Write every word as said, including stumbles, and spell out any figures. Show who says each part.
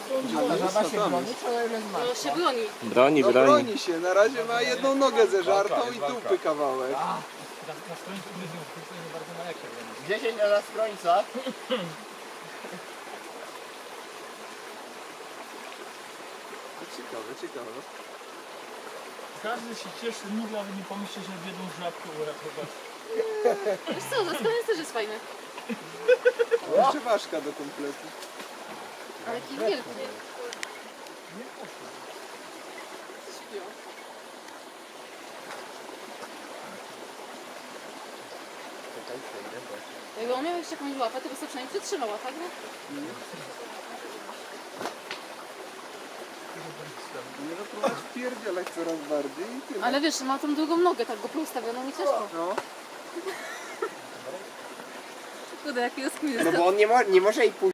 Speaker 1: Żaba się broni, to ile ma?
Speaker 2: No się broni.
Speaker 3: Broni,
Speaker 4: No
Speaker 3: broni.
Speaker 4: broni się, na razie ma jedną nogę zeżartą i dupy kawałek.
Speaker 1: dziesięć na nas końca.
Speaker 4: Ciekawe, ciekawe.
Speaker 5: Każdy się cieszy, mówi, ale nie pomyślcie, że w jedną żabkę uratować.
Speaker 2: Wiesz co, zaskoniec też jest fajny.
Speaker 4: Jeszcze ważka do kompletu.
Speaker 2: Ale jaki wielki. Śpią. Jakby on miał jeszcze jakąś łapę, to by sobie przynajmniej przytrzymała, tak? No?
Speaker 4: Nie zapróbować wpierdzielać coraz bardziej i tyle.
Speaker 2: Ale wiesz, ma tą drugą nogę, tak go ustawioną i ciężko.
Speaker 4: No.
Speaker 2: Kurde, jaki jest
Speaker 1: No bo on nie, mo nie może jej pójść.